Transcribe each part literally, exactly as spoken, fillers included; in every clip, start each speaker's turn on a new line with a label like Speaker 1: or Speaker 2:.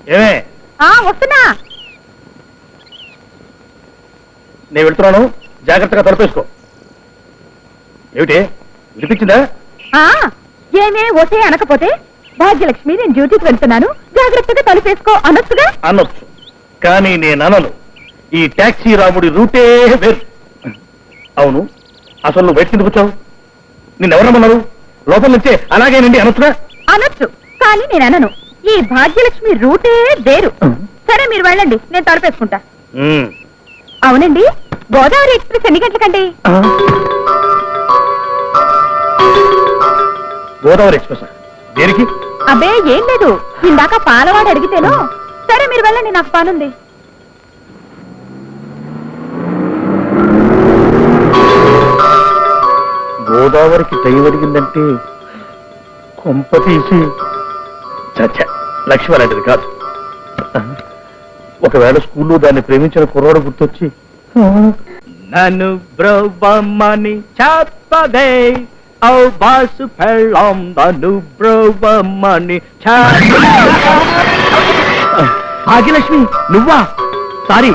Speaker 1: ఏమే
Speaker 2: వస్తున్నా.
Speaker 1: నేను వెళ్తున్నాను, జాగ్రత్తగా తలపేసుకో. ఏమిటి వినిపించిందా?
Speaker 2: ఏమే ఓటే అనకపోతే భాగ్యలక్ష్మి నేను డ్యూటీకి వెళ్తున్నాను జాగ్రత్తగా తలుపేసుకో అనొచ్చుగా.
Speaker 1: అనొచ్చు, కానీ నేను అనను. ఈ టాక్సీ రాముడి రూటే వేరు. అవును, అసలు నువ్వు బయట కిందకు వచ్చావు? నిన్నెవరమ్మన్నారు? లోపల నుంచే అలాగేనండి అనొచ్చుగా.
Speaker 2: అనొచ్చు, కానీ నేను అనను. ఈ భాగ్యలక్ష్మి రూటే వేరు. సరే మీరు వెళ్ళండి, నేను తలుపేసుకుంటా. అవునండి, గోదావరి ఎక్స్ప్రెస్ ఎన్ని గంటలకండి?
Speaker 1: గోదావరి ఎక్స్ప్రెస్ దేనికి?
Speaker 2: అబ్బే ఏం లేదు, ఇందాక పాలవాడు అడిగితేను. సరే మీరు వెళ్ళండి, నాకు పనుంది.
Speaker 1: గోదావరికి టైం అడిగిందంటే కొంప తీసి చచ్చ లక్ష్మి అలాంటిది కాదు. ఒకవేళ స్కూల్లో దాన్ని ప్రేమించిన కుర్రాడు గుర్తొచ్చి నన్ను బ్రహ్మని చెప్పదే ఔ బాసు పెళ్ళాం నన్ను బ్రహ్మని. భాగ్యలక్ష్మి నువ్వా? సారీ.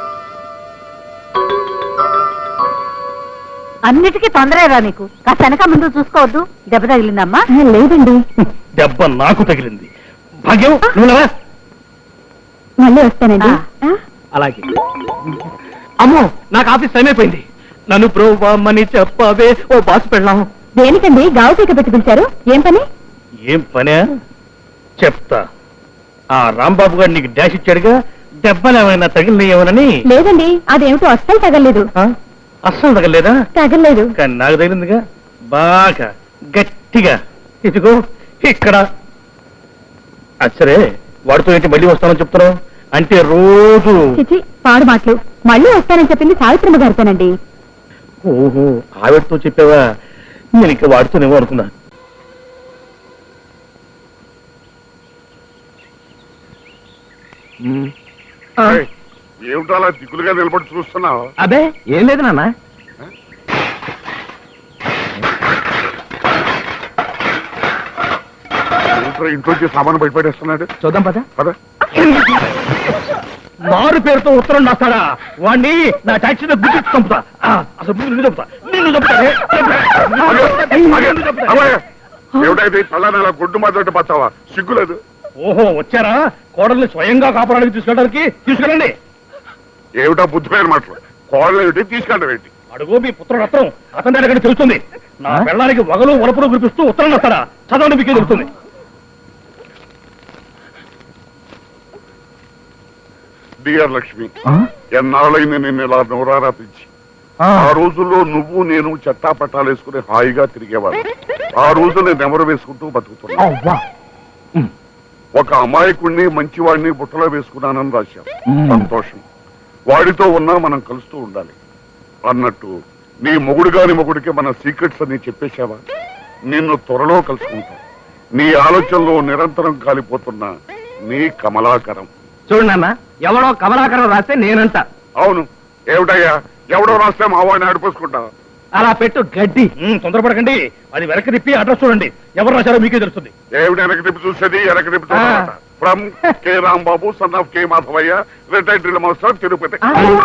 Speaker 2: అన్నిటికీ తొందరగా నీకు. కాస్త వెనక ముందు చూసుకోవద్దు. దెబ్బ తగిలిందమ్మా? లేదండి.
Speaker 1: దెబ్బ నాకు తగిలింది. భాగ్యం నువ్వు
Speaker 2: మళ్ళీ వస్తానండి.
Speaker 1: అలాగే. అమ్మో, నాకు ఆఫీస్ టైం అయిపోయింది. నన్ను బ్రోవమ్మని చెప్పవే ఓ బాసు పెళ్ళాం.
Speaker 2: దేనికండి గావు పీక పెట్టి పిలిచారు? ఏం పని?
Speaker 1: ఏం పనే చెప్తా. ఆ రాంబాబు గారు నీకు డాష్ ఇచ్చాడుగా, దెబ్బలు ఏమైనా తగిలినాయేమోనని.
Speaker 2: లేదండి, అదేమిటో అస్సలు తగలేదు.
Speaker 1: అస్సలు తగలేదా?
Speaker 2: తగలేదు.
Speaker 1: కానీ నాకు తగిలిందిగా, బాగా గట్టిగా. ఇదిగో ఇక్కడ. అచ్చరే, వాడితో ఏంటి మళ్ళీ వస్తానని చెప్తున్నావు? అంటే రోజు
Speaker 2: చిచి పాడు మాటలు. మళ్ళీ వస్తానని చెప్పింది సావిత్రమ్మ గారితోనండి.
Speaker 1: ఓహో, ఆవిడతో చెప్పావా? నేను ఇంకా వాడుతూనేమో అనుకున్నా.
Speaker 3: ఏమిటో అలా దిగులుగా నిలబడి చూస్తున్నావు?
Speaker 1: అదే ఏం లేదు నాన్న.
Speaker 3: ఇంట్లోంచి సామాను బయటపడేస్తున్నాడు.
Speaker 1: చూద్దాం పద.
Speaker 3: పద.
Speaker 1: మారు పేరుతో ఉత్తరం రాస్తాడా? వాణ్ణి నా టాక్సీలో గుర్తించి చంపుతా. అసలు నిన్ను చంపుతా, నిన్ను చంపుతా.
Speaker 3: ఏమిటైతే తలని అలా గుడ్డు మాత్రం పచ్చావా? సిగ్గులేదు.
Speaker 1: ఓహో వచ్చారా? కోడల్ని స్వయంగా కాపాడానికి తీసుకెళ్ళడానికి. తీసుకెళ్ళండి.
Speaker 3: ఏమిటా బుద్ధిపోయిన మాటలు? కోడలు ఏమిటి, తీసుకెళ్ళడం ఏంటి?
Speaker 1: అడుగు మీ పుత్రుడు రత్నం, అతని దగ్గర తెలుస్తుంది. నా పెళ్ళానికి వగలు వలపులు కురిపిస్తూ ఉత్తరం రాస్తాడా? చదవండి, మీకే తెలుస్తుంది.
Speaker 3: డియర్ లక్ష్మి, ఎన్నాళ్ళైంది నిన్ను ఇలా నోరారా పిలిచి. ఆ రోజుల్లో నువ్వు నేను చెట్టా పట్టాలు వేసుకుని హాయిగా తిరిగేవాడు. ఆ రోజు నేను నెమరు వేసుకుంటూ బతుకుతున్నా. ఒక అమాయకుడిని మంచివాడిని బుట్టలో వేసుకున్నానని రాశాం. సంతోషం. వాడితో ఉన్నా మనం కలుస్తూ ఉండాలి అన్నట్టు నీ మొగుడు గాని మొగుడికి మన సీక్రెట్స్ అన్ని చెప్పేశావా? నిన్ను త్వరలో కలుసుకుంటా. నీ ఆలోచనలో నిరంతరం కాలిపోతున్నా నీ కమలాకరం.
Speaker 1: చూడు నాన్న, ఎవడో కమలాకరం రాస్తే నేనంట.
Speaker 3: అవును, ఏమిటయ్యా ఎవడో రాస్తే మా వాడిని ఆడిపోసుకుంటా.
Speaker 1: అలా పెట్టు గడ్డి. తొందరపడకండి, అది వెనక్కి తిప్పి అడ్రస్ చూడండి. ఎవరు రాశారో మీకే తెలుస్తుంది.
Speaker 3: ఏమిటి వెనక్కి తిప్పి చూసేది? వెనక్కి తిప్పి చూడాలట. From K Rambabu, son of K Madhavayya, retired drill master, Tirupati.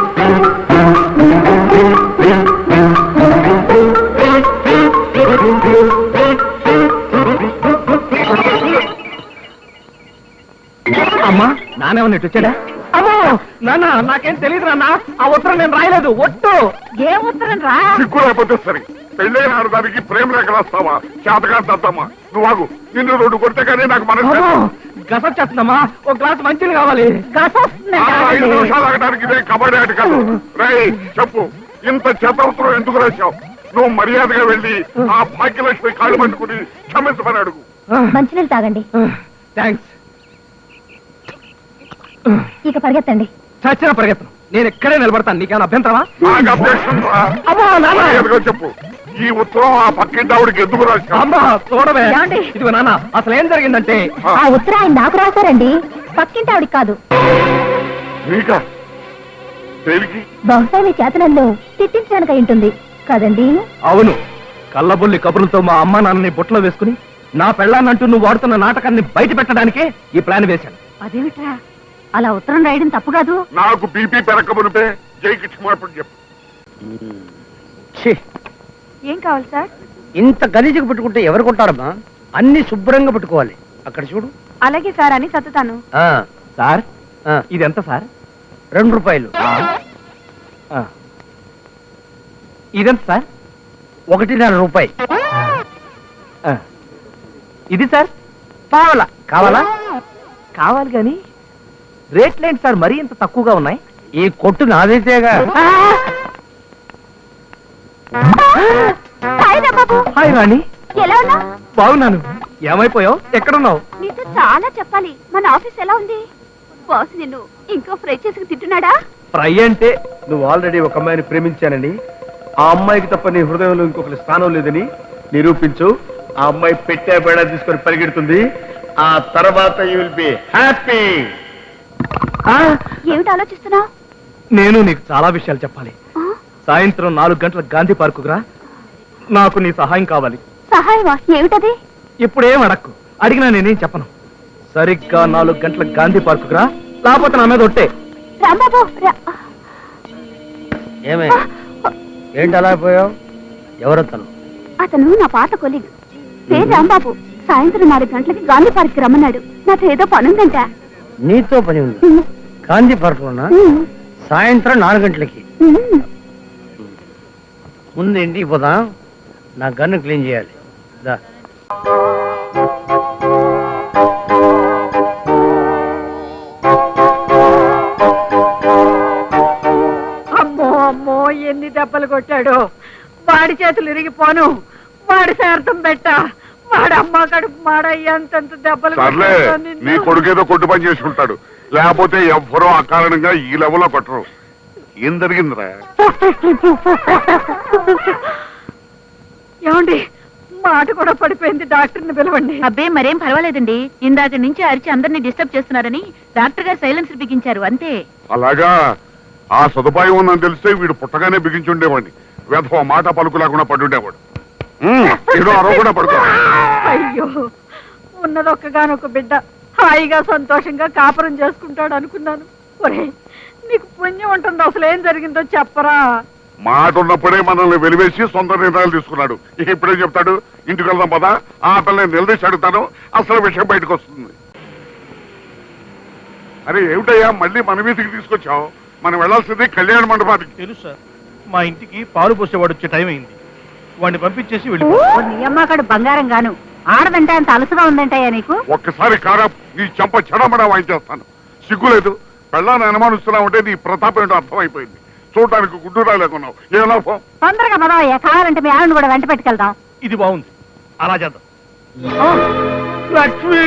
Speaker 1: అమ్మా, నానేమన్నా ఇటు వచ్చాడా? అమ్మో నాన్న, నాకేం తెలియదు నాన్న. ఆ ఉత్తరం నేను రాయలేదు. ఒట్టు.
Speaker 2: ఏ ఉత్తరం రా?
Speaker 3: సిగ్గు లేకపోతే సరే. పెళ్ళైన ఆడదానికి ప్రేమ లేఖ రాస్తావా? చేతగా దద్దమ్మా. నువ్వు ఆగు. నిన్ను రెండు కొడితే కానీ నాకు మనసు
Speaker 1: గసొచ్చేస్తుందమ్మా. ఒక గ్లాస్ మంచిది కావాలి.
Speaker 3: ఐదు నిమిషాలు ఆగడానికి ఇదే కబడ్డీ ఆట కాదు. రై చెప్పు, ఇంత చేత ఉత్తరం ఎందుకు రాశావు? నువ్వు మర్యాదగా వెళ్ళి ఆ భాగ్యలక్ష్మి కాళ్ళు పట్టుకుని క్షమించమని అడుగు.
Speaker 2: మంచినీళ్ళు తాగండి.
Speaker 1: థ్యాంక్స్.
Speaker 2: ఇక పరిగెత్తండి.
Speaker 1: చచ్చిన పరిగెత్తను. నేను ఎక్కడే నిలబడతాను. నీకేమైనా అభ్యంతరమా?
Speaker 3: నాకు అభ్యక్షం రా. చెప్పు, ఈ ఉత్తరం ఆ పక్కింటి ఆవిడకి ఎందుకు రాశావు?
Speaker 1: అమ్మా చూడవే. ఇదిగో నాన్న, అసలు ఏం జరిగిందంటే
Speaker 2: ఆ ఉత్తరం ఆయన నాకు రాశారండి, పక్కింటి ఆవిడికి కాదు. బహుశా మీ చేతనంలో తిట్టించడానికి అయి ఉంటుంది కదండి?
Speaker 1: అవును, కళ్ళబొల్లి కబుర్లతో మా అమ్మ నాన్నని బుట్టలో వేసుకుని నా పెళ్ళాన్నంటూ నువ్వు వాడుతున్న నాటకాన్ని బయట పెట్టడానికే ఈ ప్లాన్ వేశాను.
Speaker 2: అదేమిట్రా అలా ఉత్తరం రాయడం తప్పు కాదు.
Speaker 3: నాకు బీపీ పెరగమునిపే జైకి క్షమాపణ చెప్పు.
Speaker 4: ఛీ,
Speaker 2: ఏం కావాలి సార్?
Speaker 4: ఇంత గలీజుగా పెట్టుకుంటే ఎవరు కొంటారమ్మా? అన్ని శుభ్రంగా పెట్టుకోవాలి. అక్కడ చూడు.
Speaker 2: అలాగే సార్ అని సత్తుతాను.
Speaker 4: ఆ,
Speaker 1: సార్
Speaker 4: ఆ,
Speaker 1: ఇది ఎంత సార్?
Speaker 4: రెండు రూపాయలు.
Speaker 1: ఆ. ఇదెంత సార్?
Speaker 4: ఒకటిన్నర రూపాయి.
Speaker 1: ఆ. ఇది సార్?
Speaker 4: కావాలా? కావాలా?
Speaker 1: కావాలి కానీ రేట్లేంటి సార్ మరీ ఇంత తక్కువగా ఉన్నాయి?
Speaker 4: ఈ కొట్టు నాదైతేగా.
Speaker 2: హాయ్ రా బాబు.
Speaker 1: హాయ్ రాణి,
Speaker 2: ఎలా ఉన్నావు?
Speaker 1: బాగున్నాను. ఏమైపోయావు? ఎక్కడున్నావు?
Speaker 2: నీతో చాలా చెప్పాలి. మన ఆఫీస్ ఎలా ఉంది? బాస్ నిన్ను ఇంకో ఫ్రై చేసి తింటున్నాడా?
Speaker 1: ఫ్రై అంటే నువ్వు ఆల్రెడీ ఒక అమ్మాయిని ప్రేమించానని, ఆ అమ్మాయికి తప్ప నీ హృదయంలో ఇంకొకరి స్థానం లేదని నిరూపించు. ఆ అమ్మాయి పెట్టే బేడా తీసుకొని పరిగెడుతుంది. ఆ తర్వాత యూ విల్ బి హ్యాపీ.
Speaker 2: ఏమిటి ఆలోచిస్తున్నావు?
Speaker 1: నేను నీకు చాలా విషయాలు చెప్పాలి. సాయంత్రం నాలుగు గంటల గాంధీ పార్కుకు రా. నాకు నీ సహాయం కావాలి.
Speaker 2: సహాయమా? ఏమిటది?
Speaker 1: ఇప్పుడేం అడక్కు. అడిగినా నేనేం చెప్పను. సరిగ్గా నాలుగు గంటల గాంధీ పార్కుకు రా, లేకపోతే నా మీద ఒట్టే.
Speaker 2: రాంబాబు రా.
Speaker 4: ఏమే, ఏంటి అలా పోయావు? ఎవరతను?
Speaker 2: అతను నా పాత కొలీగ్, పేరు రాంబాబు. సాయంత్రం నాలుగు గంటలకి గాంధీ పార్క్ రమ్మన్నాడు. నాతో ఏదో పనుందంట.
Speaker 4: నీతో పని ఉంది? గాంధీ పార్క్ లోనా? సాయంత్రం నాలుగు గంటలకి. ముందు ఇంటికి పోదాం, నా గన్ను క్లీన్ చేయాలి. దా.
Speaker 5: అమ్మో అమ్మో ఎన్ని దెబ్బలు కొట్టాడు. వాడి చేతులు ఇరిగిపోను, వాడి శార్థం పెట్ట, వాడి అమ్మ కడుపు మాడ ఎంతెంత దెబ్బలు
Speaker 3: సర్లే,
Speaker 5: కొట్టాడో
Speaker 3: నీ
Speaker 5: నిన్ను.
Speaker 3: కొడుకేదో కొట్టు పని చేసుకుంటాడు, లేకపోతే ఎవ్వరూ అకారణంగా ఈ లెవెల్లో కొట్టరు. ఏం జరిగిందిరా?
Speaker 5: ఏమండి, మాట కూడా పడిపోయింది. డాక్టర్ని పిలవండి.
Speaker 2: అబ్బే మరేం పర్వాలేదండి. ఇందాక నుంచి అరిచి అందరినీ డిస్టర్బ్ చేస్తున్నారని డాక్టర్ గారు సైలెన్సర్ బిగించారు అంతే.
Speaker 3: అలాగా? ఆ సదుపాయం ఉందని తెలిస్తే వీడు పుట్టగానే బిగించుండేవాడిని. వేధవ మాట పలుకు లేకుండా పడుండేవాడు. ఏదో అరవ కూడా పడుకో.
Speaker 5: అయ్యో, ఉన్నదొక్కగానొక్క బిడ్డ హాయిగా సంతోషంగా కాపురం చేసుకుంటాడు అనుకున్నాను. ఒరే, నీకు పుణ్యం ఉంటుంది. అసలు ఏం జరిగిందో చెప్పరా?
Speaker 3: మాట ఉన్నప్పుడే మనల్ని వెలివేసి సొంత నిర్ణయాలు తీసుకున్నాడు. ఇక ఇప్పుడేం చెప్తాడు? ఇంటికి వెళ్దాం పదా, ఆ పిల్లని నిలదీసి అడుగుతాను, అసలు విషయం బయటకు వస్తుంది. అరే ఏమిటయ్యా, మళ్ళీ మన వీధికి తీసుకొచ్చావు? మనం వెళ్లాల్సింది కళ్యాణ మండపానికి.
Speaker 1: తెలుసు సార్, మా ఇంటికి పాలు పోసేవాడు వచ్చే టైం అయింది. వాడిని పంపించేసి వెళ్ళిపో.
Speaker 5: ఓ నీ అమ్మకాడు బంగారం గాను. ఆడదంటే అంత అలసగా ఉందంటాయా నీకు?
Speaker 3: ఒక్కసారి కారా నీ చెంప చెడమడా వాయించేస్తాను. సిగ్గులేదు? పెళ్ళాన్ని అనుమానిస్తున్నావంటే నీ ప్రతాపం ఏంటో అర్థమైపోయింది. చూడటానికి గుడ్డురా లేకున్నావు. ఏ లాభం?
Speaker 5: తొందరగా పదవయ్యా, కావాలంటే మీ ఆవిడని కూడా వెంట పెట్టుకెళ్దాం.
Speaker 1: ఇది బాగుంది, అలా చేద్దాం. లక్ష్మి,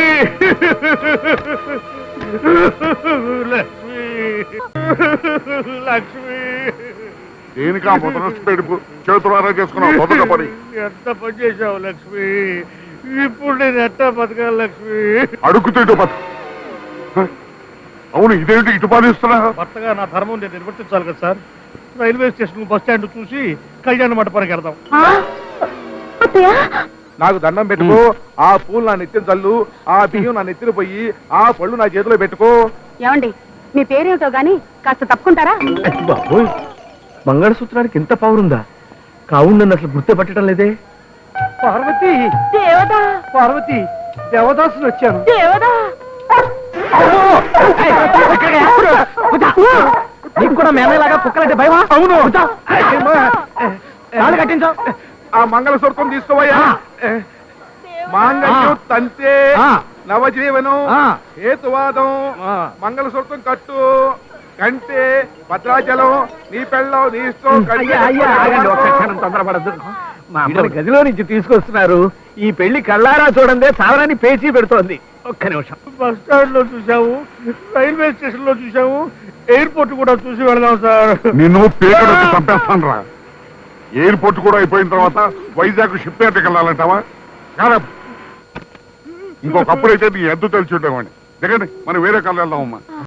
Speaker 1: లక్ష్మి, లక్ష్మి.
Speaker 3: దేనికి ఆ ముద్రస్తు పెడుపు చేతులారా చేసుకున్నావు? మొదట పని
Speaker 1: ఎంత పని చేశావు లక్ష్మి. ఇప్పుడు నేను ఎట్టా బతకాలి లక్ష్మి?
Speaker 3: అడుగుతుంటూ బతు. అవును, ఇదేంటి ఇటు పాలిస్తున్నా?
Speaker 1: భర్తగా నా ధర్మం నేను నిర్వర్తించాలి కదా sir. Railway station bus stand చూసి కళ్యాణ మండపానికి వెళ్దాం.
Speaker 6: నాకు దండం పెట్టుకో, ఆ పూలు నా నెత్తిన చల్లు, ఆ బియ్యం నా నెత్తిన పోయి, ఆ పళ్ళు నా చేతిలో పెట్టుకో.
Speaker 5: ఏమండి, మీ పేరేమిటో గాని కాస్త తప్పుకుంటారా?
Speaker 1: బాబోయ్, మంగళసూత్రానికి ఇంత పవరుందా? కావును నన్ను అసలు గుర్తుపట్టడం లేదే.
Speaker 6: పార్వతి,
Speaker 5: దేవదా,
Speaker 6: పార్వతి, దేవదాసులు వచ్చాను.
Speaker 5: దేవదా.
Speaker 4: నీకు కూడా మేమేలాగా కుక్కలంటే భయమా?
Speaker 6: అవును.
Speaker 4: తాళి కట్టించావు.
Speaker 6: ఆ మంగళసూత్రం తీసుకోవయ్యా. మాంగళ్యం తంతే,
Speaker 4: ఆ.
Speaker 6: నవజీవనం,
Speaker 4: ఆ.
Speaker 6: హేతువాదం,
Speaker 4: ఆ.
Speaker 6: మంగళసూత్రం కట్టు, కంటే భద్రాచలం, నీ పెళ్ళం, నీ ఇష్టం.
Speaker 4: అయ్యా, అయ్యా, ఆగండి, ఒక్క క్షణం తొందరపడద్దు. మా అమ్మని గదిలో నుంచి తీసుకొస్తున్నారు. ఈ పెళ్లి కళ్ళారా చూడండి, సావరాన్ని పేచీ పెడుతోంది. ఒక్క నిమిషం.
Speaker 1: బస్ స్టాండ్ లో చూసాము, రైల్వే స్టేషన్ లో చూసాము, ఎయిర్పోర్ట్ కూడా చూసి వెళదాం సార్.
Speaker 3: నిన్ను పేరు చంపేస్తాను రా. ఎయిర్పోర్ట్ కూడా అయిపోయిన తర్వాత వైజాగ్ షిప్ యార్డ్కి వెళ్ళాలంటావా? కాదా? ఇంకొకప్పుడైతే నీ ఎద్దు తెలిసి ఉండేవాడిని. దిగండి, మనం వేరే కళ్ళు వెళ్దామమ్మా.